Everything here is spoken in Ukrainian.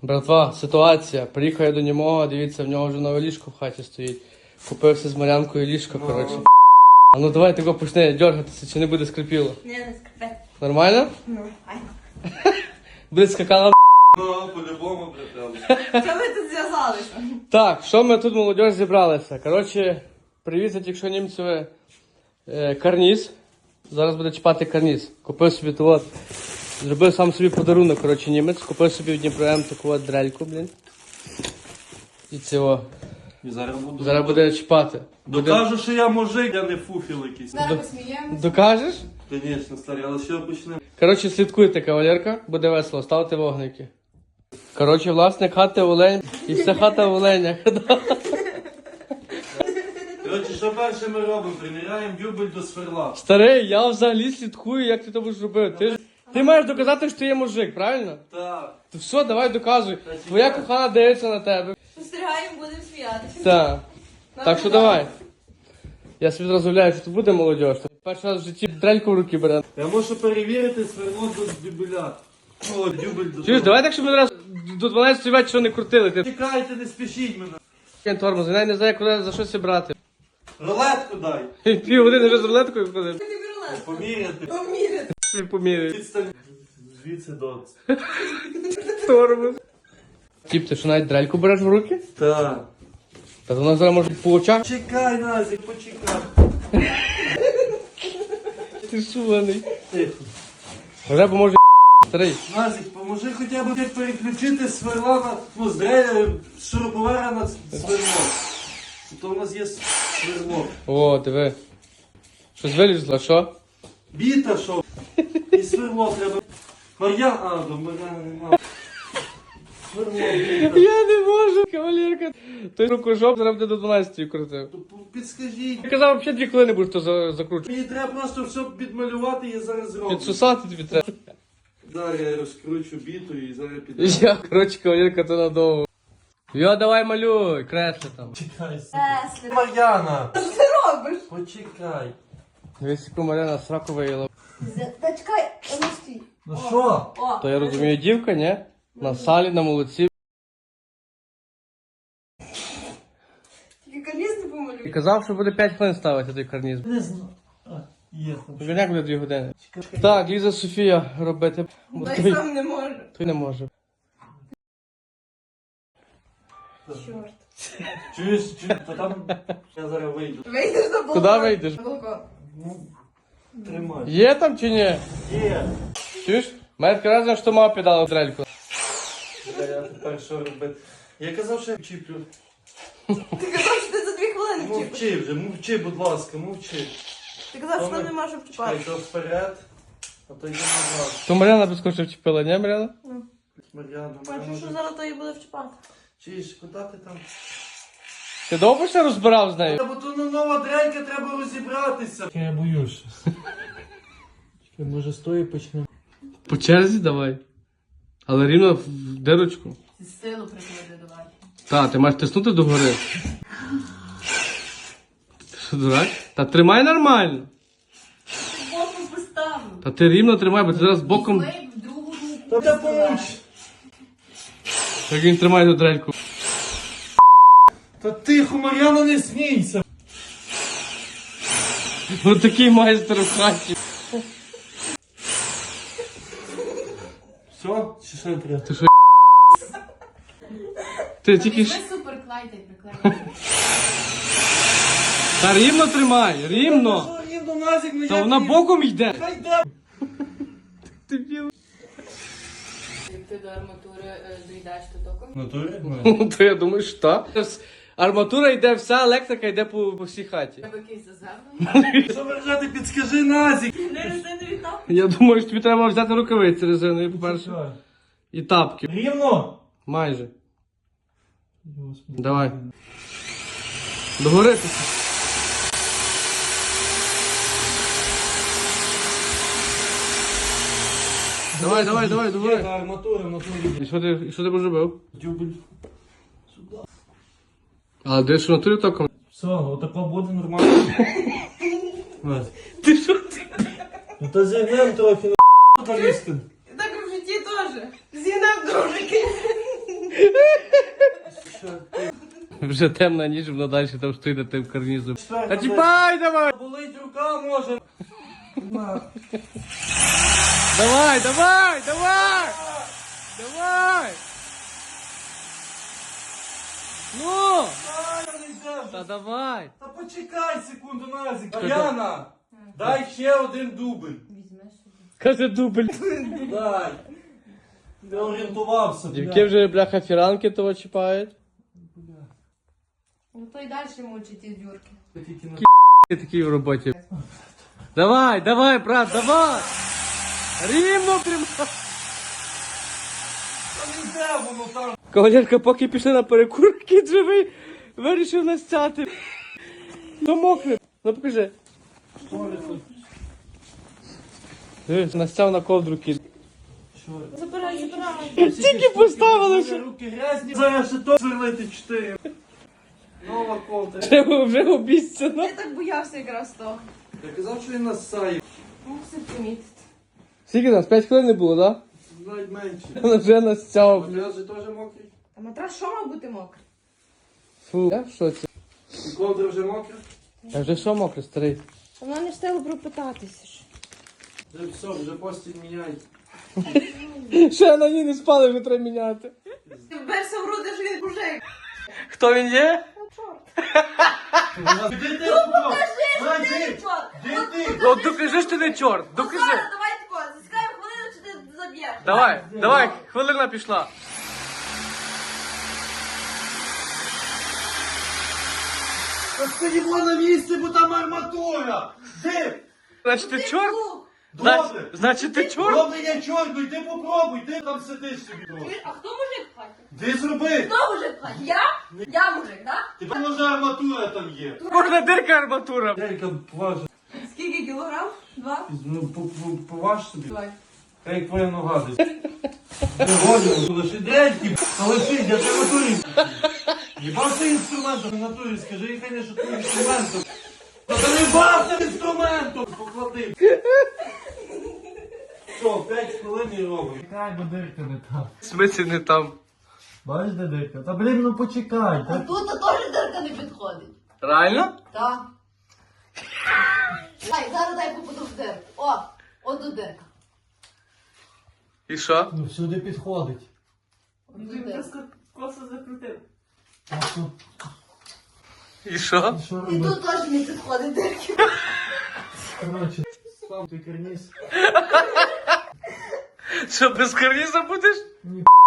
Братва, ситуація. Приїхав я до нього, дивіться, в нього вже нове ліжко в хаті стоїть. Купився з Мар'янкою ліжко, коротше. А ну давай тако почне дергатися, чи не буде скрипіло. Не скрипе. Нормально? Ну, ай. Буде скакала. Ну, по-любому припали. Що ви тут зв'язалися? Так, що ми тут, молодь, зібралися? Коротше, привіз я тільки що німцеве карніз. Зараз буде чіпати карніз. Купив собі тут. Зробив сам собі подарунок, коротше, німець. Купив собі в Дніпро таку от дрельку, блін. І цього. І зараз Зараз буде чіпати. Докажу, що я мужик, я не фуфіл якийсь. Зараз посміємося. Докажеш? Звісно, старий, але що почнемо? Коротше, слідкуйте, кавалерка, буде весело, ставте вогники. Коротше, власник хати Олень і вся хата в Оленях. Коротше, що перше ми робимо? Приміряємо дюбель до сверла. Старий, я взагалі слідкую, як ти то будеш робити. Ти маєш доказати, що ти є мужик, правильно? Так. То все, давай доказуй. Твоя кохана дивиться на тебе. Спостерігаємо, будемо сміятися. Так. Так що давай. Я собі зразу уявляю, що тут буде молодь. Перший раз в житті дрельку в руки бере. Я можу перевірити сверло до дюбеля. О, дюбель до Чуєш, давай так, щоб ми раз до 12 вечора не крутили. Ти Чекайте, не спішіть мене. тормоз, я не знаю, куди за щось брати. Рулетку дай. Пів години вже з рулеткою ходив. Тобі рулет. Поміряти. Поміряти. Поміряй. Відстань. Звідси до. Тормоз. Тіп, ти що навіть дрельку береш в руки? Так. Та вона зараз може по очах. Чекай, Назік, почекай. Ти шуваний. Тихо. Вже поможе старий. Назік, поможи хоча б переключити сверла на, ну, з дреля, з шуруповера на сверло. То у нас є сверло. О, диви. Щось вилізло, що? Біта, що? І сверло треба. Мар'ян, до Мар'яна нема. Сверло, біта. Я не можу, кавалерка. Той рукожоп зараз буде до 12 крутив. То підскажіть. Я казав, взагалі 2 хвилини будеш то закручувати. Мені треба просто все підмалювати, я зараз зроблю. Підсусати тобі треба. Зараз я розкручу біту і зараз піду. Я, коротше, кавалерка, то надовго. Йо, давай малюй, кресли там. Чекай, Тесли. Мар'яна! Що ти робиш? Почекай. Дивись, яку Мар'яна сраку виїла. Та чекай, ну стій. Ну що? О, То я розумію, дівка, ні? На салі, на молодці. тільки карніз не І помалюй. казав, що буде 5 хвилин ставити той карніз. Не знаю. Є. Як буде 2 години? Так, Ліза Софія робити. Бо Та й той, сам не може. той не може. Чорт. Чуєш, то там я зараз вийду. Вийдеш на балкон. Куди вийдеш? На балкон. Ну, тримай. Є там чи ні? Є. Чуєш? Мене таке разом, що мама піддала дрельку. Я тепер що робити? Я казав, що я вчіплю. Ти казав, що ти за 2 хвилини вчив. Мовчи вже, мовчи, будь ласка, мовчи. Ти казав, що Вони- нам не може Чекай, вчіпати. то вперед, а то йде назад. То Мар'яна безкоштовно вчепила, ні, Мар'яна? Мар'яна, Бачу, що зараз то і буде вчіпати. Чуєш, куди ти там? Ти довго ще розбирав з нею? Бо то нова дрелька, треба розібратися. Я боюся. Може з тої почнемо? По черзі давай. Але рівно в дирочку. Силу приклади давай. Та, ти маєш тиснути догори. Ти що, дурак? Та тримай нормально. Боком поставлю. Та ти рівно тримай, бо ти зараз боком. Вий в другу руку. Та помовч. Як він тримає ту дрельку. Та тихо, Мар'яна, не смійся. Ось такий майстер в хаті. Все? Чи що треба? Ти тільки ж. Супер клайте, приклеїти. Та рівно тримай, рівно. Що, їм до Назік, ну Та вона боком йде. Хай йде. Ти біл. Як ти до арматури доїдаєш, то током? Натурі? Ну, то я думаю, що так. Арматура йде, вся електрика йде по всій хаті. Треба якийсь заземний. Що вважати, підскажи Назік. Не резинові тапки. Я думаю, що тобі треба взяти рукавиці резинові, по-перше. І тапки. Рівно. Майже. Давай. Догори. Давай, Є догори. арматура в натурі. І що ти робив? Дюбель. Сюди. А де ж в натурі током? Все, отако буде нормально. Назік. Ти що ти? Ну то зігнем трохи на лізти. Так і в житті теж. Зігнав дружики. Вже темна ніч, воно далі там стоїть на тим карнізом. Четверта, Та чіпай давай! Болить рука може. Давай, давай, давай! Давай! Ну! Та давай! Та почекай секунду, Назик. Яна, дай ще один дубль. Візьмеш собі. Каже дубль. Дай. Не орієнтувався. Дівки вже, бляха, фіранки того чіпають. Ну то й далі мучить ті дюрки. Ти такий в роботі. Давай, давай, брат, давай! Рівно тримай! Та не йде воно там. Кавалерка, поки пішли на перекур, кіт живий, вирішив настяти. Ну мокре. Ну покажи. Настяв на ковдру кіт. Забирай, забирай. Тільки поставилися. Руки грязні. Зараз ще то сверлити 4. Нова ковдра. Вже обіцяно. Я так боявся якраз того. Я казав, що він насає. Мусив помітити. Скільки нас? 5 хвилин не було, так? Навіть менше. Да? Вже настяв. Матрас же теж мокрий. А матрас що мав бути мокрий? Фу, я в шоці. І ковдра вже мокра. А вже що мокре, старий? Вона не встигла пропитатися ж. Вже все, вже постіль міняй. Ще на ній не спали, вже треба міняти. Ти вберся в груди, що він мужик. Хто він є? Ну чорт. Де ти? Де Чорт. ти? Ну докажи, що ти не чорт, докажи. Зараз, давай тако, заскай хвилину, чи ти заб'єш. Давай, хвилина пішла. Та стоїмо на місці, бо там арматура. Де? Значить ти чорт? Добре. Значить ти чорт? Добре, я чорт, ну йди попробуй, ти там сидиш собі трохи. Чуєш, а хто мужик в хаті? Ти зроби. Хто мужик в хаті? Я? Я мужик, так? Тепер може арматура там є. Кожна дирка арматура. Делька, поваж. Скільки кілограм? 2? Ну, поваж собі. Давай. Та як твоя нога десь. Не годимо, лише дрельки, та лишись, я тебе натурі. Їбався інструментом, в натурі, скажи, і хай не шутує інструментом. Та ти не бався інструментом! Поклади. Що, 5 хвилин і робимо. Чекай, бо дирка не там. В смислі не там. Бачиш, де дирка? Та блін, ну почекай. А тут теж дирка не підходить. Реально? Так. Зараз дай попаду в дирку. От тут дирка. І що? Ну всюди підходить. Косо закрутив. А що? І що? Що І робити? тут теж не підходить дирки. Коротше, сам ти карніз. Що, без карніза будеш? Ні,